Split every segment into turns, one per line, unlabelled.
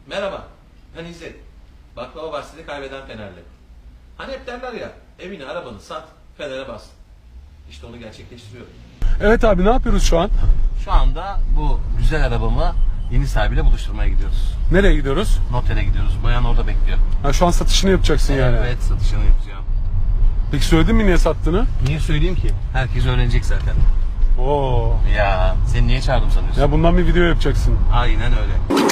Merhaba, ben İzzet. Baklava bahsini kaybeden Fenerli. Hani hep derler ya, evini arabanı sat, Fener'e bas. İşte onu gerçekleştiriyorum.
Evet abi, ne yapıyoruz şu an?
Şu anda bu güzel arabamı yeni sahibiyle buluşturmaya gidiyoruz.
Nereye gidiyoruz?
Notere gidiyoruz. Bayan orada bekliyor.
Ha, şu an satışını yapacaksın yani.
Evet, satışını yapacağım.
Peki söyledin mi niye sattığını?
Niye söyleyeyim ki? Herkes öğrenecek zaten.
Oo.
Ya, seni niye çağırdım sanıyorsun?
Ya bundan bir video yapacaksın.
Aynen öyle.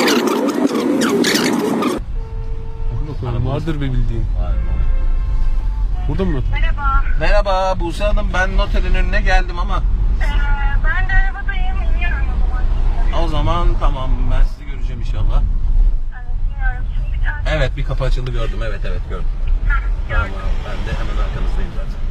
Bakalım, vardır bir bildiğin.
Var.
Burada mı?
Merhaba.
Merhaba Buse Hanım, ben noterin önüne geldim ama
Ben de arabadayım. İniyorum o zaman.
o zaman tamam, ben sizi göreceğim inşallah.
Evet, iniyorum. Şimdi bir tane...
Evet, bir kapı açıldı, gördüm. Evet gördüm. Tamam, ben de hemen arkanızdayım zaten.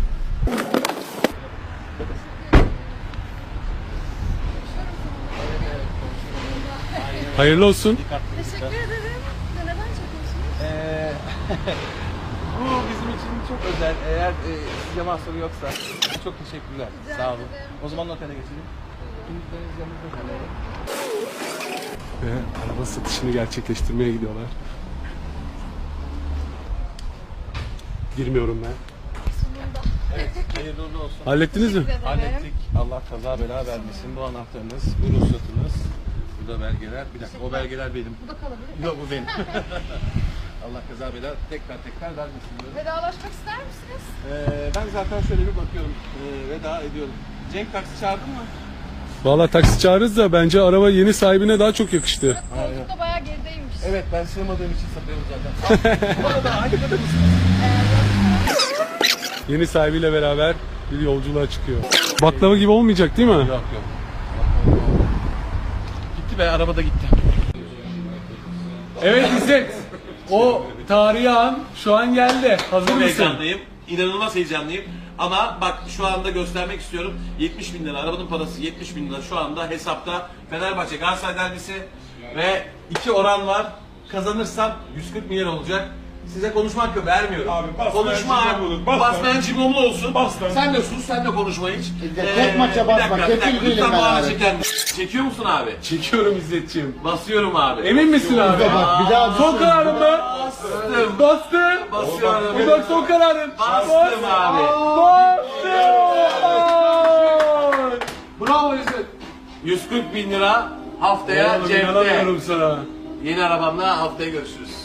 Hayırlı olsun.
Teşekkür ederim. Neden çekiyorsunuz?
Bu bizim için çok özel. Eğer size mahsuru yoksa çok teşekkürler.
Rica
Sağ olun.
ederim.
O zaman otele geçelim. Kimlikleriniz yanınızda kalıyor.
Ve araba satışını gerçekleştirmeye gidiyorlar. Girmiyorum ben.
Sonunda.
Evet, hayırlı uğurlu olsun.
Hallettiniz mi?
Teşekkür ederim.
Hallettik. Allah kaza bela vermesin. Bu anahtarınız, bu ruhsatınız, bu da belgeler. Bir dakika, o belgeler benim.
Bu da kalabilir mi?
Yok, bu benim. Allah kaza bela tekrar vermesin diyorum.
Vedalaşmak ister misiniz?
Ben zaten şöyle bir bakıyorum. Veda ediyorum. Cenk taksi çağırdın mı?
Valla taksi çağırırız da bence araba yeni sahibine daha çok yakıştı.
Koltuk da bayağı gerideymiş.
Evet, ben sığmadığım için satıyorum zaten. Bu arada hangi kadar mısın?
Yeni sahibiyle beraber bir yolculuğa çıkıyor. Baklava gibi olmayacak değil mi?
Yok. Gitti be, araba da gitti.
Evet İzzet. O tarihi an şu an geldi. Hazır
Çok
mısın?
heyecanlıyım. İnanılmaz heyecanlıyım. Ama bak, şu anda göstermek istiyorum. 70 bin lira, arabanın parası 70 bin lira şu anda hesapta. Fenerbahçe Galatasaray derbisi ve 2 oran var. Kazanırsam 140 milyon olacak. Size konuşmak yok, vermiyorum.
Abi basmayan
konuşma
cimom olur, basmayan.
basmayan cimomlu olsun.
Bas lan.
Sen de sus, sen de konuşma hiç.
tek maça basma,
Bir
kefil
dakika,
değilim
lütfen
ben
bu ana
abi.
çeker misin? Çekiyor musun abi?
Çekiyorum İzzetciğim.
Basıyorum abi.
Emin misin abi?
Bak bir daha
Son kararın mı?
Bastım.
Bastı.
Basıyorum.
Bir bak son kararın.
Bastım abi.
Bastı.
Bravo İzzet. 140 bin lira haftaya
Oğlum
cepte.
inanamıyorum sana.
Yeni arabamla haftaya görüşürüz.